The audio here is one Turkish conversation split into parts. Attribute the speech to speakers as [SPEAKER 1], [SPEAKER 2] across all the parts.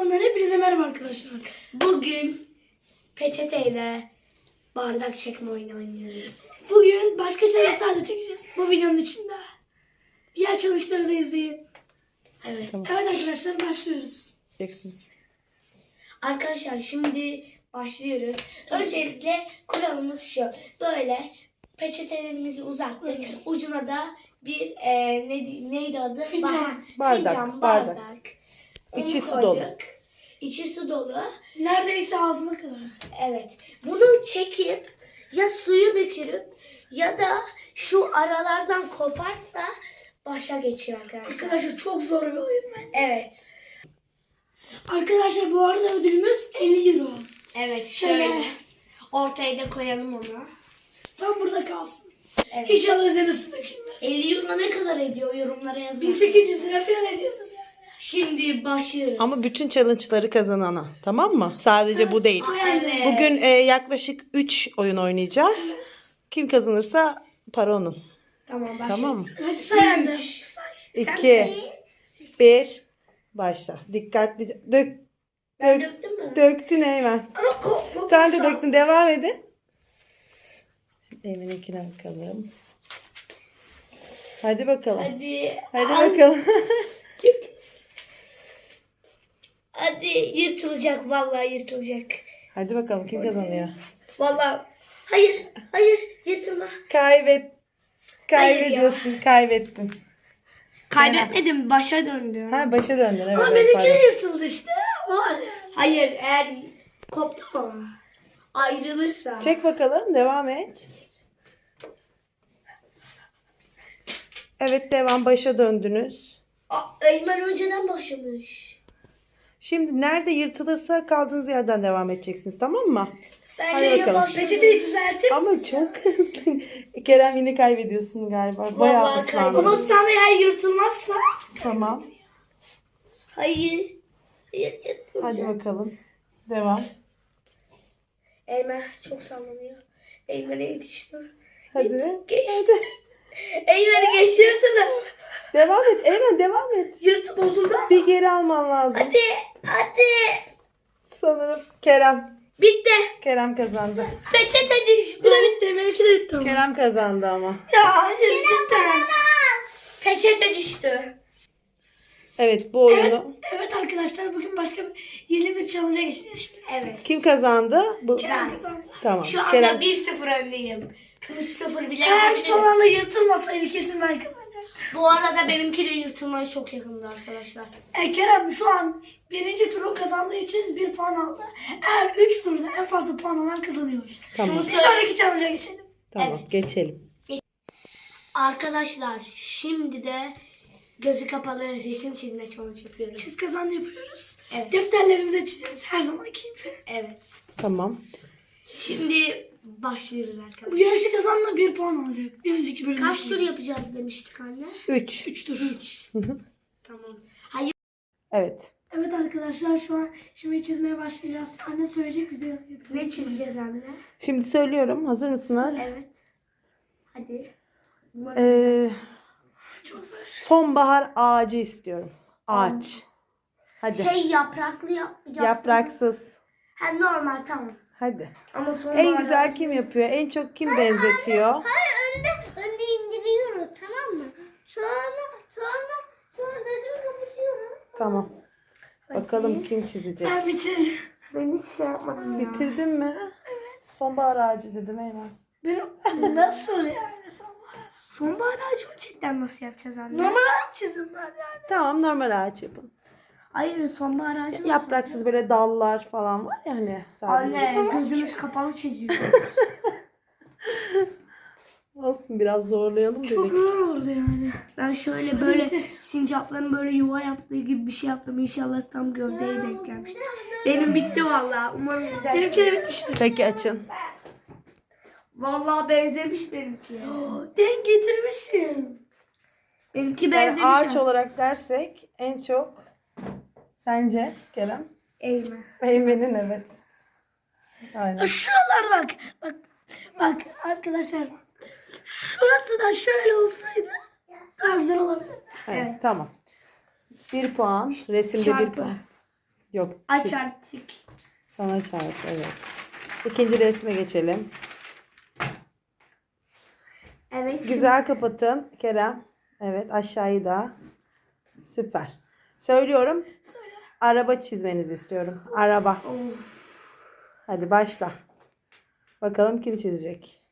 [SPEAKER 1] kanalından hepinize merhaba arkadaşlar.
[SPEAKER 2] Bugün peçeteyle bardak çekme oyunu oynuyoruz.
[SPEAKER 1] Bugün başka challenge'lar da çekeceğiz bu videonun içinde. Diğer challenge'ları da izleyin.
[SPEAKER 2] Evet.
[SPEAKER 1] Evet arkadaşlar başlıyoruz.
[SPEAKER 2] Arkadaşlar şimdi başlıyoruz. Öncelikle kuralımız şu. Böyle peçetelerimizi uzattık. Ucuna da bir neydi adı?
[SPEAKER 1] Fincan.
[SPEAKER 2] Fincan, bardak. Onu
[SPEAKER 3] İçi su
[SPEAKER 2] koyduk.
[SPEAKER 3] dolu.
[SPEAKER 2] İçi su dolu.
[SPEAKER 1] Neredeyse ağzına kadar.
[SPEAKER 2] Evet. Bunu çekip ya suyu dökürüp ya da şu aralardan koparsa başa geçiyor arkadaşlar.
[SPEAKER 1] Arkadaşlar çok zor bir oyun bence.
[SPEAKER 2] Evet.
[SPEAKER 1] Arkadaşlar bu arada ödülümüz 50 euro.
[SPEAKER 2] Evet
[SPEAKER 1] Şöyle.
[SPEAKER 2] şöyle. Ortaya da koyalım onu.
[SPEAKER 1] Tam burada kalsın.
[SPEAKER 2] Evet.
[SPEAKER 1] İnşallah üzerine su dökülmez.
[SPEAKER 2] 50 euro ne kadar ediyor yorumlara yazın.
[SPEAKER 1] 1800 lira falan ediyordur yani.
[SPEAKER 2] Şimdi başlıyoruz.
[SPEAKER 3] Ama bütün challenge'ları kazanana. Tamam mı? Sadece bu değil.
[SPEAKER 2] Evet.
[SPEAKER 3] Bugün yaklaşık 3 oyun oynayacağız. Kim kazanırsa para onun.
[SPEAKER 2] Tamam başlıyoruz.
[SPEAKER 3] Tamam mı?
[SPEAKER 1] Hadi say annem. Say.
[SPEAKER 3] 2, 1, başla. Dikkatli.
[SPEAKER 2] Ben döktüm mü?
[SPEAKER 3] Döktün Eymen.
[SPEAKER 1] Ama kop
[SPEAKER 3] Sen de döktün. Devam edin. Şimdi Eymen'inkine bakalım. Hadi bakalım.
[SPEAKER 2] Hadi.
[SPEAKER 3] Hadi bakalım.
[SPEAKER 2] Hadi yırtılacak vallahi yırtılacak.
[SPEAKER 3] Hadi bakalım kim kazanıyor?
[SPEAKER 2] Vallahi hayır hayır yırtılma.
[SPEAKER 3] Kaybediyorsun. Kaybettin.
[SPEAKER 2] Kaybetmedim başa döndüm.
[SPEAKER 3] Ha başa döndün. Evet,
[SPEAKER 1] Ama
[SPEAKER 3] evet,
[SPEAKER 1] benimki
[SPEAKER 3] pardon.
[SPEAKER 1] de yırtıldı işte. O var ya.
[SPEAKER 2] Hayır eğer koptu mu? Ayrılırsa.
[SPEAKER 3] Çek bakalım. Devam et. Evet devam. Başa döndünüz.
[SPEAKER 2] Eymen önceden başlamış.
[SPEAKER 3] Şimdi nerede yırtılırsa kaldığınız yerden devam edeceksiniz. Tamam mı?
[SPEAKER 2] Ben
[SPEAKER 3] Hadi
[SPEAKER 2] şeye
[SPEAKER 3] bakalım.
[SPEAKER 2] başladım.
[SPEAKER 1] Peçeteyi düzeltip.
[SPEAKER 3] Ama çok hızlı. Kerem yine kaybediyorsun galiba. Bayağı
[SPEAKER 2] Vallahi
[SPEAKER 3] ıslandın.
[SPEAKER 1] Ama sana eğer yırtılmazsa.
[SPEAKER 3] Tamam.
[SPEAKER 2] Hayır. Hayır
[SPEAKER 3] Hadi
[SPEAKER 2] yırtılacak.
[SPEAKER 3] bakalım. Devam.
[SPEAKER 2] Eymen çok sallanıyor. Eymen'e yetiştim.
[SPEAKER 3] Hadi.
[SPEAKER 2] Geç.
[SPEAKER 3] Hadi.
[SPEAKER 2] Eymen'i geç yırtıldı.
[SPEAKER 3] Devam et. Eymen devam et.
[SPEAKER 1] Yırtı bozuldu.
[SPEAKER 3] Bir geri alman lazım.
[SPEAKER 2] Hadi. Hadi.
[SPEAKER 3] Sanırım Kerem.
[SPEAKER 2] Bitti.
[SPEAKER 3] Kerem kazandı.
[SPEAKER 2] Peçete düştü.
[SPEAKER 1] Bu da bitti. Benimki de bitti ama.
[SPEAKER 3] Kerem kazandı ama.
[SPEAKER 1] Ya hayır cidden.
[SPEAKER 2] Peçete düştü.
[SPEAKER 3] Evet bu oyunu.
[SPEAKER 1] Evet arkadaşlar bugün başka yeni bir challenge'a geçeceğiz şimdi.
[SPEAKER 2] Evet.
[SPEAKER 3] Kim kazandı? Bu.
[SPEAKER 1] Kerem kazandı.
[SPEAKER 3] Tamam.
[SPEAKER 2] Şu anda
[SPEAKER 3] Kerem.
[SPEAKER 2] 1-0 öndeyim. 3-0 bile
[SPEAKER 1] Eğer
[SPEAKER 2] yapabilirim.
[SPEAKER 1] son anda yırtılmasaydı kesin ben kazanacaktım.
[SPEAKER 2] Bu arada benimki de yırtılmaya çok yakındı arkadaşlar.
[SPEAKER 1] Kerem şu an birinci turu kazandığı için 1 puan aldı. Eğer 3 turda en fazla puan alan kazanıyor.
[SPEAKER 3] Tamam.
[SPEAKER 1] Bir sonraki challenge'a geçelim.
[SPEAKER 3] Tamam
[SPEAKER 2] Evet.
[SPEAKER 3] geçelim.
[SPEAKER 2] Arkadaşlar şimdi de gözü kapalı resim çizme challenge yapıyoruz.
[SPEAKER 1] Çiz kazan yapıyoruz.
[SPEAKER 2] Evet.
[SPEAKER 1] Defterlerimize çiziyoruz her zamanki gibi.
[SPEAKER 2] Evet.
[SPEAKER 3] Tamam.
[SPEAKER 2] Şimdi başlıyoruz
[SPEAKER 1] Bu
[SPEAKER 2] arkadaşlar.
[SPEAKER 1] yarışı kazanla 1 puan alacak. Bir önceki bölümde.
[SPEAKER 2] Kaç tur yapacağız demiştik anne?
[SPEAKER 3] 3.
[SPEAKER 1] 3 tur.
[SPEAKER 2] Tamam. Hayır.
[SPEAKER 3] Evet.
[SPEAKER 1] Evet arkadaşlar şu an şimdi çizmeye başlayacağız. Annem söyleyecek bize yapıyoruz.
[SPEAKER 2] Ne çizeceğiz anne?
[SPEAKER 3] Şimdi söylüyorum. Hazır mısınız?
[SPEAKER 2] Evet. Hadi.
[SPEAKER 3] Sonbahar ağacı istiyorum. Ağaç. Hadi.
[SPEAKER 2] Şey yapraklı
[SPEAKER 3] Yapraksız.
[SPEAKER 2] Ha normal tamam.
[SPEAKER 3] Hadi.
[SPEAKER 2] Ama sonra
[SPEAKER 3] En güzel kim yapıyor? En çok kim benzetiyor?
[SPEAKER 2] önde indiriyoruz tamam mı? Sonra dedim kapatıyoruz.
[SPEAKER 3] Tamam. Bakalım kim çizecek.
[SPEAKER 1] Ben bitirdim.
[SPEAKER 2] Ben hiç şey yapmadım ya.
[SPEAKER 3] Bitirdin mi? Evet. Sonbahar ağacı dedim Eymen.
[SPEAKER 1] Benim nasıl yani sonbahar?
[SPEAKER 2] Sonbahar ağacı cidden nasıl yapacağız anne?
[SPEAKER 1] Normal çizim ben yani.
[SPEAKER 3] Tamam normal ağaç yapın.
[SPEAKER 2] Hayır sonbahar ağacı nasıl
[SPEAKER 3] Yapraksız böyle dallar falan var ya hani sadece.
[SPEAKER 2] Anne gözümüz kapalı çiziyor.
[SPEAKER 3] Olsun biraz zorlayalım
[SPEAKER 1] Çok
[SPEAKER 3] dedik.
[SPEAKER 1] zor oldu yani.
[SPEAKER 2] Ben şöyle böyle
[SPEAKER 1] bitir.
[SPEAKER 2] sincapların böyle yuva yaptığı gibi bir şey yaptım. İnşallah tam gövdeye denk gelmiştir. Benim bitti vallahi. Umarım güzel.
[SPEAKER 1] Benimki de bitmiştir.
[SPEAKER 3] Peki açın.
[SPEAKER 2] Vallahi benzemiş benimki.
[SPEAKER 1] Denk getirmişim.
[SPEAKER 2] Benimki
[SPEAKER 3] Yani
[SPEAKER 2] benzemiş.
[SPEAKER 3] ağaç
[SPEAKER 2] ha.
[SPEAKER 3] olarak dersek en çok sence Kerem?
[SPEAKER 2] Eymen.
[SPEAKER 3] Eymen'in evet. Aynen.
[SPEAKER 1] Şuralarda bak arkadaşlar. Şurası da şöyle olsaydı daha güzel olabilirdi.
[SPEAKER 3] Evet, tamam. 1 puan. Resimde 1
[SPEAKER 2] Çarpı.
[SPEAKER 3] puan. Yok.
[SPEAKER 2] Aç artık.
[SPEAKER 3] Sana çarp, evet. İkinci resme geçelim.
[SPEAKER 2] Evet.
[SPEAKER 3] Güzel kapatın Kerem. Evet, aşağıyı da. Süper. Söylüyorum.
[SPEAKER 1] Söyle.
[SPEAKER 3] Araba çizmenizi istiyorum. Araba. Hadi başla. Bakalım kim çizecek.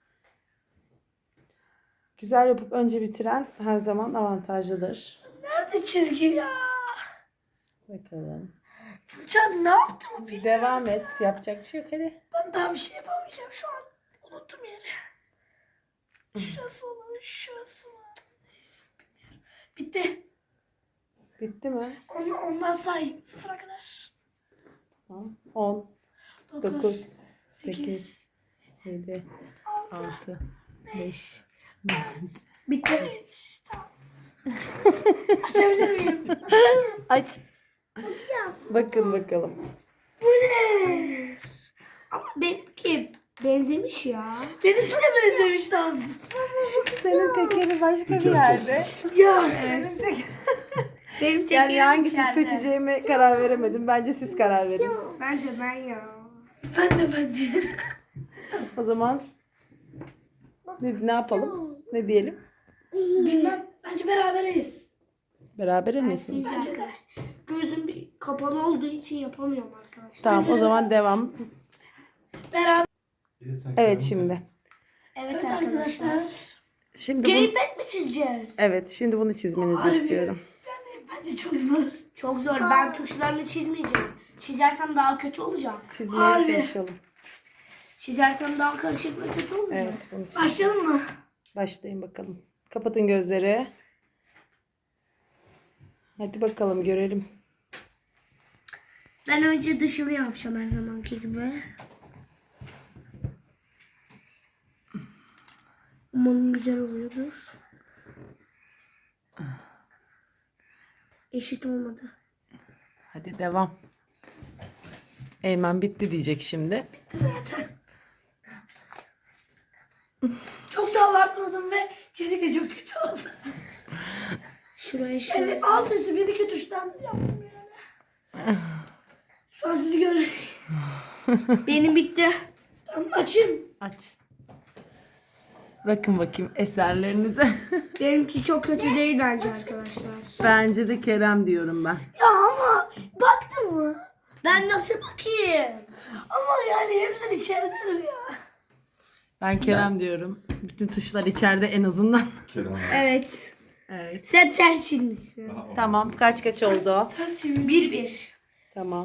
[SPEAKER 3] Güzel yapıp önce bitiren her zaman avantajlıdır.
[SPEAKER 1] Nerede çizgi ya?
[SPEAKER 3] Bakalım.
[SPEAKER 1] Can ne yaptım?
[SPEAKER 3] Devam et. Yapacak bir şey yok, hadi.
[SPEAKER 1] Ben daha bir şey yapamayacağım şu an. Unuttum yeri. Şurası olur, şurası var. Neyse, bilmiyorum. Bitti.
[SPEAKER 3] Bitti mi?
[SPEAKER 1] Ondan say. Sıfıra kadar.
[SPEAKER 3] Tamam. 10,
[SPEAKER 1] 9,
[SPEAKER 3] 9,
[SPEAKER 1] 8,
[SPEAKER 3] 8, 7,
[SPEAKER 1] 6,
[SPEAKER 3] 6, 5.
[SPEAKER 2] Bitti.
[SPEAKER 1] 5. Tamam. Açabilir miyim?
[SPEAKER 3] Aç. Bakın bakalım.
[SPEAKER 1] Bu ne?
[SPEAKER 2] Ama benimki benzemiş ya.
[SPEAKER 1] Benimki de benzemiş lazım.
[SPEAKER 3] Senin tekeri başka bir yerde.
[SPEAKER 1] Ya.
[SPEAKER 2] Benim tekerim
[SPEAKER 3] Yani hangisini
[SPEAKER 2] içeride.
[SPEAKER 3] seçeceğime karar veremedim. Bence siz karar verin.
[SPEAKER 2] Bence ben ya.
[SPEAKER 1] Ben de.
[SPEAKER 3] O zaman ne yapalım? Ne diyelim?
[SPEAKER 1] Bilmem. Bence beraberiz.
[SPEAKER 3] Beraber misiniz?
[SPEAKER 1] Bence de.
[SPEAKER 2] Gözüm bir kapalı olduğu için yapamıyorum arkadaşlar.
[SPEAKER 3] Tamam, o zaman devam.
[SPEAKER 1] Beraber.
[SPEAKER 3] Evet şimdi.
[SPEAKER 1] Evet arkadaşlar.
[SPEAKER 3] Şimdi bunu,
[SPEAKER 2] Gamepad mi çizeceğiz?
[SPEAKER 3] evet, şimdi bunu çizmenizi
[SPEAKER 1] Harbi.
[SPEAKER 3] istiyorum.
[SPEAKER 1] Bence çok zor.
[SPEAKER 2] Çok zor. Ben tuşlarını çizmeyeceğim. Çizersem daha kötü olacak.
[SPEAKER 3] Çizmeye
[SPEAKER 1] Harbi.
[SPEAKER 3] çalışalım.
[SPEAKER 2] Çizersem daha karışık ve kötü olacak.
[SPEAKER 3] Evet, bunu çiz.
[SPEAKER 1] Başlayalım mı?
[SPEAKER 3] Başlayın bakalım. Kapatın gözleri. Hadi bakalım görelim.
[SPEAKER 2] Ben önce dışını yapacağım her zamanki gibi. Umarım güzel oluyordur. Eşit olmadı.
[SPEAKER 3] Hadi devam. Eymen bitti diyecek şimdi.
[SPEAKER 1] Çok da abartmadım ve çizik de çok kötü oldu.
[SPEAKER 2] Şuraya şöyle.
[SPEAKER 1] Yani alt üstü bir iki tuştan yaptım yani. Şu an sizi görüyorum.
[SPEAKER 2] Benim bitti.
[SPEAKER 1] Tamam açayım.
[SPEAKER 3] Aç. Bakın bakayım eserlerinize.
[SPEAKER 2] Benimki çok kötü değil bence arkadaşlar.
[SPEAKER 3] Bence de Kerem diyorum ben.
[SPEAKER 1] Ya ama baktın mı?
[SPEAKER 2] Ben nasıl bakayım?
[SPEAKER 1] Ama yani hepsinin içeridedir ya.
[SPEAKER 3] Ben Kerem diyorum. Bütün tuşlar içeride en azından.
[SPEAKER 4] Kerem abi.
[SPEAKER 2] Evet.
[SPEAKER 3] Evet.
[SPEAKER 2] Sen ters çizmişsin.
[SPEAKER 3] Tamam, kaç oldu?
[SPEAKER 1] Ters çevir.
[SPEAKER 2] 1-1.
[SPEAKER 3] Tamam.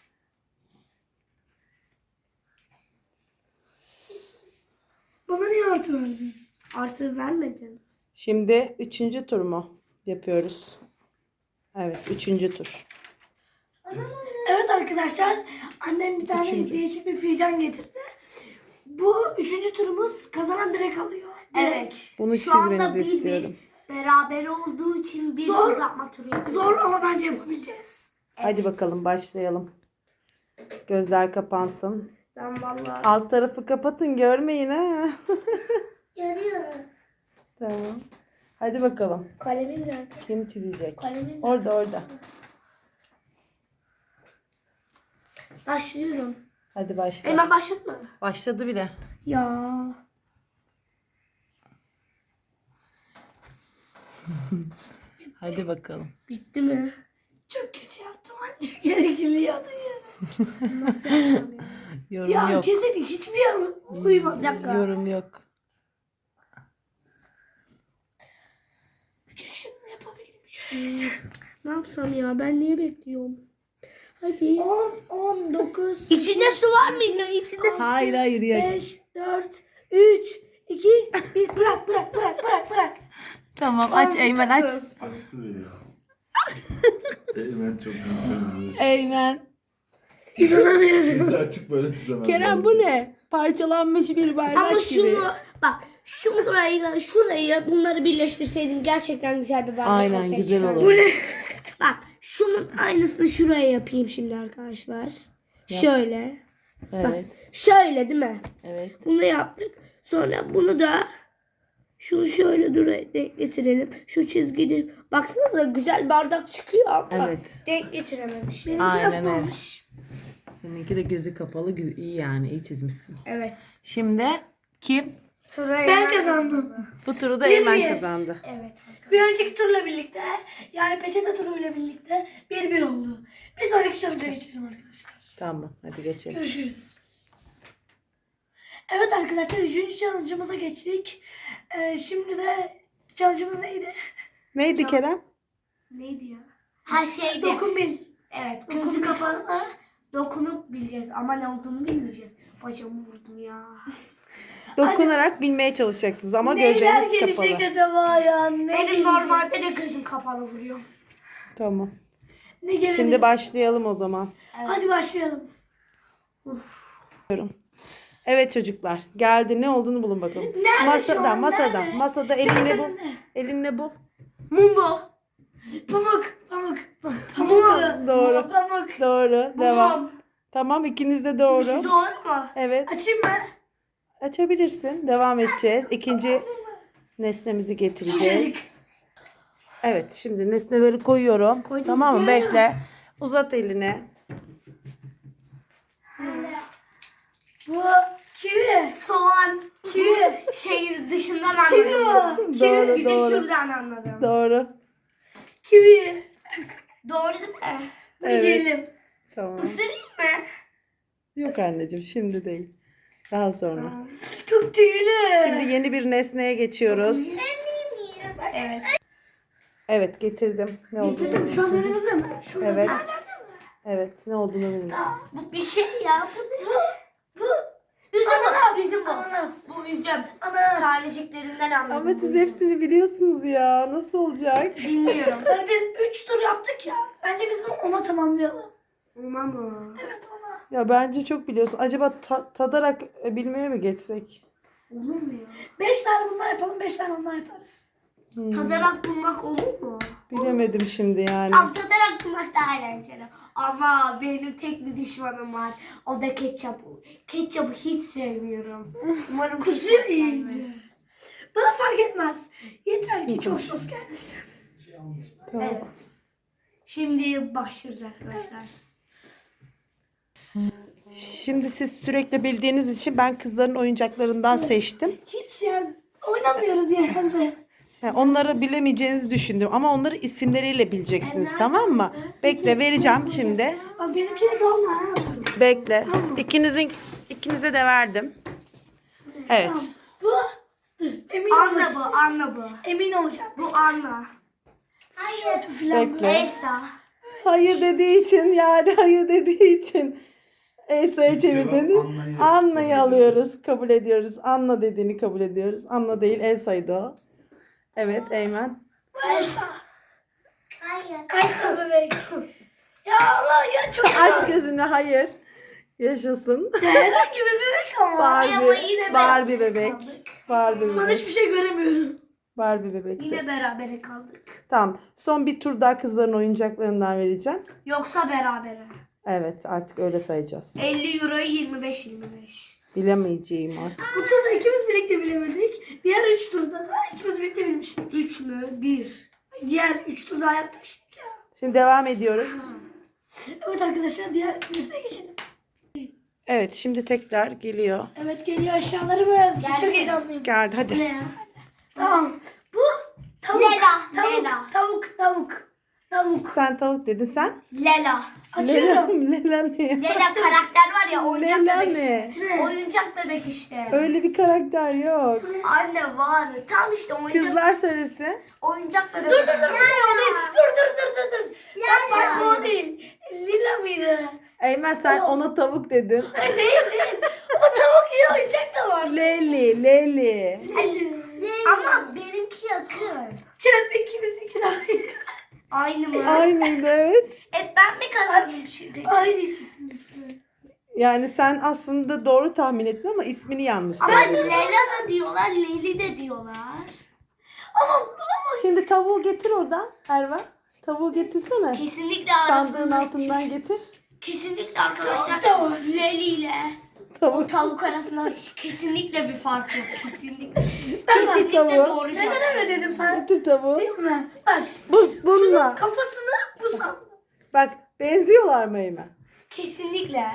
[SPEAKER 1] Bana niye artı verdin?
[SPEAKER 2] Artı vermedin.
[SPEAKER 3] Şimdi 3. tur mu yapıyoruz? Evet, 3. tur.
[SPEAKER 1] Evet arkadaşlar. Annem bir tane
[SPEAKER 3] Üçüncü.
[SPEAKER 1] değişik bir fincan getirdi. Bu 3. turumuz kazanan direkt alıyor.
[SPEAKER 2] Evet.
[SPEAKER 3] Bunu
[SPEAKER 2] Şu anda
[SPEAKER 3] çizmenizi
[SPEAKER 2] 1-1.
[SPEAKER 3] istiyorum.
[SPEAKER 2] Beraber olduğu için bir
[SPEAKER 1] Zor.
[SPEAKER 2] uzatma turu yapıyoruz.
[SPEAKER 1] Zor ama bence yapabileceğiz.
[SPEAKER 3] Hadi bakalım başlayalım. Gözler kapansın.
[SPEAKER 2] Ben vallahi
[SPEAKER 3] Alt tarafı kapatın, görmeyin ha.
[SPEAKER 2] görüyorum.
[SPEAKER 3] Tamam. Hadi bakalım.
[SPEAKER 2] Kalemim nerede?
[SPEAKER 3] Kim çizecek?
[SPEAKER 2] Kalemim
[SPEAKER 3] Orada.
[SPEAKER 2] Başlıyorum.
[SPEAKER 3] Hadi başla.
[SPEAKER 2] Hemen başlatma.
[SPEAKER 3] Başladı bile.
[SPEAKER 2] Ya.
[SPEAKER 3] Hadi bakalım.
[SPEAKER 2] Bitti mi?
[SPEAKER 1] Çok kötü yaptım annem. Gerekiliyordu ya.
[SPEAKER 2] Nasıl yapsam ya?
[SPEAKER 3] Yorum
[SPEAKER 1] Ya
[SPEAKER 3] yok.
[SPEAKER 1] kesin hiçbir yer uyumadı.
[SPEAKER 2] Bir dakika.
[SPEAKER 3] Yorum yok.
[SPEAKER 1] Keşke ne yapabildim.
[SPEAKER 2] Ne yapsam ya? Ben niye bekliyorum? Hadi.
[SPEAKER 1] 10, 9,
[SPEAKER 2] İçinde su var mı yine? İçinde su.
[SPEAKER 3] Hayır ya.
[SPEAKER 1] 5, 4, 3, 2, 1. Bırak.
[SPEAKER 3] Tamam, aç Eymen, aç.
[SPEAKER 4] Açtı beni ya. Eymen çok kötü.
[SPEAKER 3] Eymen.
[SPEAKER 1] İnanamıyorum.
[SPEAKER 4] Yüzü açık böyle çizemem.
[SPEAKER 3] Kerem bu ne? Parçalanmış bir bardak
[SPEAKER 2] Ama
[SPEAKER 3] gibi.
[SPEAKER 2] şunu bak şurayla şurayı bunları birleştirseydin gerçekten güzel bir bardak
[SPEAKER 3] Aynen,
[SPEAKER 2] ortaya
[SPEAKER 3] güzel
[SPEAKER 2] çıkardı.
[SPEAKER 3] olur.
[SPEAKER 1] Bu ne?
[SPEAKER 2] Bak şunun aynısını şuraya yapayım şimdi arkadaşlar. Şöyle.
[SPEAKER 3] Evet.
[SPEAKER 2] Şöyle değil mi?
[SPEAKER 3] Evet.
[SPEAKER 2] Bunu yaptık. Sonra bunu da Şunu şöyle denk getirelim. Şu çizgini. Baksanıza güzel bardak çıkıyor ama
[SPEAKER 3] Evet.
[SPEAKER 2] denk getirememiş.
[SPEAKER 1] Benimki
[SPEAKER 3] Aynen
[SPEAKER 1] nasıl
[SPEAKER 3] öyle.
[SPEAKER 1] olmuş?
[SPEAKER 3] Seninki de gözü kapalı iyi yani iyi çizmişsin.
[SPEAKER 2] Evet.
[SPEAKER 3] Şimdi kim?
[SPEAKER 1] Ben kazandım.
[SPEAKER 3] Bu turu da
[SPEAKER 1] Bir
[SPEAKER 3] Eymen
[SPEAKER 1] bir.
[SPEAKER 3] kazandı.
[SPEAKER 2] Evet.
[SPEAKER 1] Bir önceki turla birlikte yani peçete turuyla birlikte 1-1 oldu. Bir sonraki challenge'a geçelim arkadaşlar.
[SPEAKER 3] Tamam hadi geçelim.
[SPEAKER 1] Görüşürüz. Evet arkadaşlar 3. challenge'ımıza geçtik. Şimdi de challenge'ımız neydi?
[SPEAKER 3] Neydi Kerem?
[SPEAKER 1] Neydi ya?
[SPEAKER 2] Her şeyde.
[SPEAKER 1] Dokun bil.
[SPEAKER 2] Evet.
[SPEAKER 1] Dokun
[SPEAKER 2] Gözü
[SPEAKER 1] bil.
[SPEAKER 2] kapalı. Dokunup bileceğiz ama ne olduğunu bilmeyeceğiz. Bacağımı vurdum ya.
[SPEAKER 3] Dokunarak bilmeye çalışacaksınız ama
[SPEAKER 1] Neler
[SPEAKER 3] gözleriniz
[SPEAKER 1] gelecek
[SPEAKER 3] kapalı.
[SPEAKER 1] acaba ya? Ne
[SPEAKER 2] Benim
[SPEAKER 1] gelecek?
[SPEAKER 2] normalde de gözüm kapalı vuruyor.
[SPEAKER 3] Tamam.
[SPEAKER 1] Ne gelebilir?
[SPEAKER 3] Şimdi başlayalım o zaman.
[SPEAKER 1] Hadi başlayalım.
[SPEAKER 3] Evet çocuklar geldi ne olduğunu bulun bakalım.
[SPEAKER 1] Nerede şu
[SPEAKER 3] Masada
[SPEAKER 1] an?
[SPEAKER 3] masada
[SPEAKER 1] Nerede?
[SPEAKER 3] masada elinle bul.
[SPEAKER 1] Nerede?
[SPEAKER 3] Elinle bul.
[SPEAKER 1] Mumbo. Pamuk. Pamuk.
[SPEAKER 3] Doğru.
[SPEAKER 1] Pamuk.
[SPEAKER 3] Doğru. Devam.
[SPEAKER 1] Mum.
[SPEAKER 3] Tamam ikiniz de doğru.
[SPEAKER 1] Doğru mu?
[SPEAKER 3] Evet.
[SPEAKER 1] Açayım mı?
[SPEAKER 3] Açabilirsin. Devam edeceğiz. İkinci nesnemizi getireceğiz.
[SPEAKER 1] Çocuk.
[SPEAKER 3] Evet şimdi nesneleri koyuyorum. Tamam mı? Bekle. Uzat elini.
[SPEAKER 1] Bu kivi.
[SPEAKER 2] Soğan.
[SPEAKER 1] Kivi.
[SPEAKER 2] Şehir dışından
[SPEAKER 1] Kivi
[SPEAKER 2] anladım.
[SPEAKER 1] bu.
[SPEAKER 3] Doğru
[SPEAKER 2] Bir de
[SPEAKER 3] doğru.
[SPEAKER 2] şuradan anladım.
[SPEAKER 3] Doğru.
[SPEAKER 1] Kivi.
[SPEAKER 2] Doğru değil mi?
[SPEAKER 1] Bir
[SPEAKER 3] Evet.
[SPEAKER 1] yiyelim.
[SPEAKER 3] Tamam.
[SPEAKER 2] Isırayım mı?
[SPEAKER 3] Yok anneciğim şimdi değil. Daha sonra.
[SPEAKER 1] Çok tüylü.
[SPEAKER 3] Şimdi yeni bir nesneye geçiyoruz.
[SPEAKER 2] Evet.
[SPEAKER 3] Evet getirdim. Ne olduğunu
[SPEAKER 1] Getirdim şu an önümüzde mi? Şurada
[SPEAKER 3] Evet.
[SPEAKER 1] bir yerlerde mi?
[SPEAKER 3] Evet ne olduğunu bilmiyorum.
[SPEAKER 2] Bu bir şey ya. Bu ne?
[SPEAKER 1] Bu.
[SPEAKER 2] Üzüm
[SPEAKER 1] Ananas.
[SPEAKER 2] bu. Üzüm bu.
[SPEAKER 1] Ananas.
[SPEAKER 2] Bu üzüm.
[SPEAKER 1] Ananas.
[SPEAKER 2] Taneciklerinden anladım.
[SPEAKER 3] Ama
[SPEAKER 2] bu
[SPEAKER 3] siz
[SPEAKER 2] üzüm.
[SPEAKER 3] hepsini biliyorsunuz ya. Nasıl olacak?
[SPEAKER 2] Bilmiyorum.
[SPEAKER 1] Yani biz 3 tur yaptık ya. Bence biz bunu ona tamamlayalım.
[SPEAKER 2] Ona mı?
[SPEAKER 1] Evet ona.
[SPEAKER 3] Ya bence çok biliyorsun. Acaba tadarak bilmeye mi geçsek?
[SPEAKER 2] Olur mu ya?
[SPEAKER 1] 5 tane bundan yapalım, 5 tane ondan yaparız.
[SPEAKER 2] Tadarak bulmak olur mu?
[SPEAKER 3] Bilemedim şimdi yani.
[SPEAKER 2] Tam tadarak bulmak daha eğlenceli. Ama benim tek bir düşmanım var. O da ketçap. Ketçapı hiç sevmiyorum. Umarım
[SPEAKER 1] Kusuyor
[SPEAKER 2] ketçap
[SPEAKER 1] iyice.
[SPEAKER 2] gelmez.
[SPEAKER 1] Bana fark etmez. Yeter ki çok sos gelmesin.
[SPEAKER 3] Tamam.
[SPEAKER 2] Evet. Şimdi başlıyoruz arkadaşlar.
[SPEAKER 3] Şimdi siz sürekli bildiğiniz için ben kızların oyuncaklarından seçtim.
[SPEAKER 1] Hiç yani oynamıyoruz genelde.
[SPEAKER 3] Yani onları bilemeyeceğinizi düşündüm ama onları isimleriyle bileceksiniz tamam mı? Bekle vereceğim şimdi.
[SPEAKER 1] Bak benimki de dolma ha.
[SPEAKER 3] Bekle. İkinize de verdim. Evet.
[SPEAKER 1] Bu. Dur emin
[SPEAKER 2] Anna
[SPEAKER 1] olmasın.
[SPEAKER 2] bu, Anna bu.
[SPEAKER 1] Emin olacağım.
[SPEAKER 2] Bu Anna.
[SPEAKER 1] Şortu filan
[SPEAKER 3] Bekle.
[SPEAKER 1] böyle.
[SPEAKER 2] Elsa.
[SPEAKER 3] Hayır dediği için yani hayır dediği için Elsa'ya çevirdiniz.
[SPEAKER 4] Anna'yı
[SPEAKER 3] Anna'yı
[SPEAKER 4] kabul
[SPEAKER 3] alıyoruz. Kabul ediyoruz. Anna dediğini kabul ediyoruz. Anna değil Elsa'ydı o. Evet Eymen.
[SPEAKER 1] Elsa.
[SPEAKER 2] Hayır.
[SPEAKER 1] Elsa bebek. Ya ama ya çok
[SPEAKER 3] Aç gözünü hayır. Yaşasın.
[SPEAKER 1] herhangi bir bebek ama.
[SPEAKER 2] Ama yine
[SPEAKER 3] Barbie
[SPEAKER 2] beraber
[SPEAKER 3] bebek.
[SPEAKER 2] kaldık.
[SPEAKER 3] Barbie
[SPEAKER 1] Şu an
[SPEAKER 3] bebek.
[SPEAKER 1] hiçbir şey göremiyorum.
[SPEAKER 3] Barbie bebek.
[SPEAKER 2] Yine berabere kaldık.
[SPEAKER 3] Tamam. Son bir tur daha kızların oyuncaklarından vereceğim.
[SPEAKER 2] Yoksa berabere.
[SPEAKER 3] Evet artık öyle sayacağız.
[SPEAKER 2] 50 euroyu 25.
[SPEAKER 3] Bilemeyeceğim artık.
[SPEAKER 1] Bu turda ikimiz birlikte bilemedik. Diğer 3 turda da ikimiz birlikte bilmiştik.
[SPEAKER 2] 3 mü? 1.
[SPEAKER 1] Diğer 3 tur daha yaptık işte ya.
[SPEAKER 3] Şimdi devam ediyoruz.
[SPEAKER 1] Evet arkadaşlar diğer listeye geçelim.
[SPEAKER 3] Evet şimdi tekrar geliyor.
[SPEAKER 1] Evet geliyor aşağılarımız.
[SPEAKER 2] Geldi.
[SPEAKER 1] Çok heyecanlıyım.
[SPEAKER 3] Geldi hadi.
[SPEAKER 2] Ne ya?
[SPEAKER 1] Tamam. Bu tavuk.
[SPEAKER 2] Lela,
[SPEAKER 1] Tavuk.
[SPEAKER 2] Lela.
[SPEAKER 1] Tavuk.
[SPEAKER 3] Sen tavuk dedin sen.
[SPEAKER 2] Lela.
[SPEAKER 1] Açıyorum.
[SPEAKER 3] Lela ne?
[SPEAKER 2] Lela karakter var ya oyuncak
[SPEAKER 3] Lela
[SPEAKER 2] bebek.
[SPEAKER 3] ne?
[SPEAKER 2] Oyuncak bebek işte.
[SPEAKER 3] Öyle bir karakter yok.
[SPEAKER 2] Anne var. Tam işte oyuncak
[SPEAKER 3] Kızlar söylesin.
[SPEAKER 2] oyuncak bebek.
[SPEAKER 1] Dur bu değil o değil. Dur. Bak bu o değil. Lila mıydı?
[SPEAKER 3] Eymen sen ona tavuk dedin.
[SPEAKER 1] Değil. Ama tavuk iyi oyuncak da var.
[SPEAKER 3] Leli.
[SPEAKER 2] Ama benimki yakın.
[SPEAKER 1] Kerem ikimizinki de aynı.
[SPEAKER 2] Aynı mı?
[SPEAKER 3] Aynıydı evet.
[SPEAKER 2] Ben mi kazandım şimdi?
[SPEAKER 1] Aynı ikisini.
[SPEAKER 3] Yani sen aslında doğru tahmin ettin ama ismini yanlış
[SPEAKER 2] Ama
[SPEAKER 3] söyledin.
[SPEAKER 2] Leyla da diyorlar, Leyli de diyorlar.
[SPEAKER 1] Ama
[SPEAKER 3] Şimdi tavuğu getir oradan Erva. Tavuğu getirsene.
[SPEAKER 2] Kesinlikle
[SPEAKER 3] Sandığın
[SPEAKER 2] arasında.
[SPEAKER 3] altından getir.
[SPEAKER 2] Kesinlikle arkadaşlar
[SPEAKER 1] Tavuk da var.
[SPEAKER 2] Leyli ile O
[SPEAKER 3] Tavuk.
[SPEAKER 2] tavuk arasında kesinlikle bir fark yok. Kesinlikle.
[SPEAKER 3] Getir tavuğu.
[SPEAKER 2] doğru cevap.
[SPEAKER 1] Neden öyle dedim sen?
[SPEAKER 3] Getir tavuğu.
[SPEAKER 1] Değil mi? Bak
[SPEAKER 3] Bununla.
[SPEAKER 1] kafasını bu sandım.
[SPEAKER 3] Bak benziyorlar mı Eymen?
[SPEAKER 2] Kesinlikle.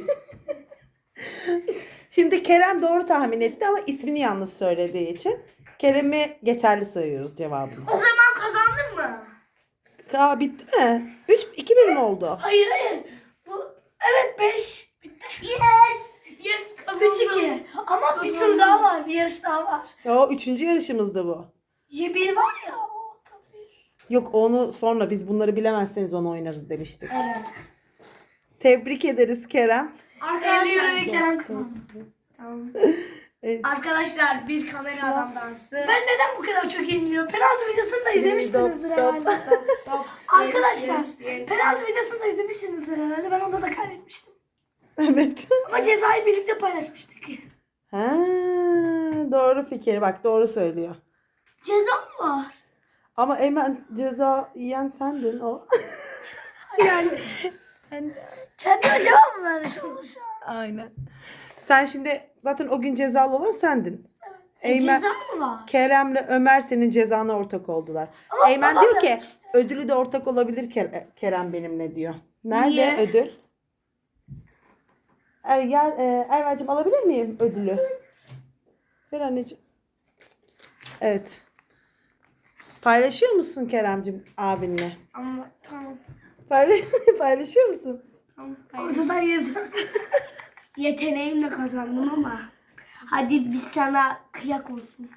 [SPEAKER 3] Şimdi Kerem doğru tahmin etti ama ismini yanlış söylediği için Kerem'i geçerli sayıyoruz cevabını.
[SPEAKER 1] O zaman kazandın mı?
[SPEAKER 3] Bitti mi? 2-1 mi oldu?
[SPEAKER 1] Hayır. Bu evet 5. Bitti.
[SPEAKER 2] Yes kazandım.
[SPEAKER 1] 3-2. Ama bir tur daha var. Bir yarış daha var.
[SPEAKER 3] O 3. yarışımızdı bu.
[SPEAKER 1] Bir var ya o tadı bir.
[SPEAKER 3] Yok onu sonra biz bunları bilemezseniz onu oynarız demiştik.
[SPEAKER 1] Evet.
[SPEAKER 3] Tebrik ederiz Kerem.
[SPEAKER 1] 50 euroyu
[SPEAKER 2] Arkadaşlar,
[SPEAKER 1] Kerem kazandı.
[SPEAKER 2] tamam.
[SPEAKER 3] Evet.
[SPEAKER 2] Arkadaşlar bir kamera adam dansı.
[SPEAKER 1] Ben neden bu kadar çok yeniliyorum? Penaltı videosunu da izlemişsinizdir
[SPEAKER 3] Top, top.
[SPEAKER 1] herhalde. Arkadaşlar penaltı videosunu da izlemişsinizdir herhalde. Ben onda da kaybetmiştim.
[SPEAKER 3] Evet.
[SPEAKER 1] Ama cezayı birlikte paylaşmıştık.
[SPEAKER 3] Ha, doğru fikir. Bak doğru söylüyor.
[SPEAKER 2] Ceza mı var?
[SPEAKER 3] Ama Eymen ceza yiyen sendin o.
[SPEAKER 1] Yani
[SPEAKER 3] Sen...
[SPEAKER 1] kendi cevap mı vermiş olur şu an?
[SPEAKER 3] Aynen. Sen şimdi zaten o gün cezalı olan sendin. Eymen,
[SPEAKER 2] Ceza mı var?
[SPEAKER 3] Kerem'le Ömer senin cezana ortak oldular.
[SPEAKER 1] Ama
[SPEAKER 3] Eymen
[SPEAKER 1] babam
[SPEAKER 3] diyor ki
[SPEAKER 1] yapmıştı.
[SPEAKER 3] ödülü de ortak olabilir Kerem benimle diyor. Nerede
[SPEAKER 2] Niye?
[SPEAKER 3] ödül? Erva'cığım alabilir miyim ödülü? Ver anneciğim. Evet. Paylaşıyor musun Kerem'cim abinle?
[SPEAKER 2] Ama tamam.
[SPEAKER 3] Paylaşıyor musun?
[SPEAKER 2] Tamam.
[SPEAKER 1] Ortadan yedin.
[SPEAKER 2] Yeteneğimle kazandım ama. Hadi biz sana kıyak olsun.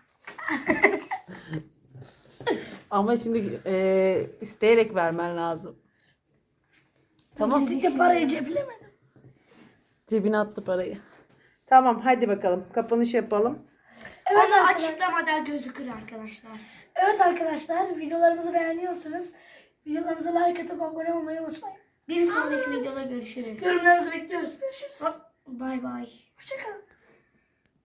[SPEAKER 3] Ama şimdi isteyerek vermen lazım.
[SPEAKER 1] Tamam. Kesinlikle parayı ceplemedim.
[SPEAKER 3] Cebine attı parayı. Tamam hadi bakalım. Kapanış yapalım.
[SPEAKER 1] Evet
[SPEAKER 2] Onu
[SPEAKER 1] arkadaşlar.
[SPEAKER 2] açıklamada gözükür arkadaşlar.
[SPEAKER 1] Evet arkadaşlar videolarımızı beğeniyorsanız videolarımıza like atıp abone olmayı unutmayın.
[SPEAKER 2] Bir sonraki videoda görüşürüz.
[SPEAKER 1] Yorumlarınızı bekliyoruz. Görüşürüz.
[SPEAKER 2] Bay bay.
[SPEAKER 1] Hoşçakalın.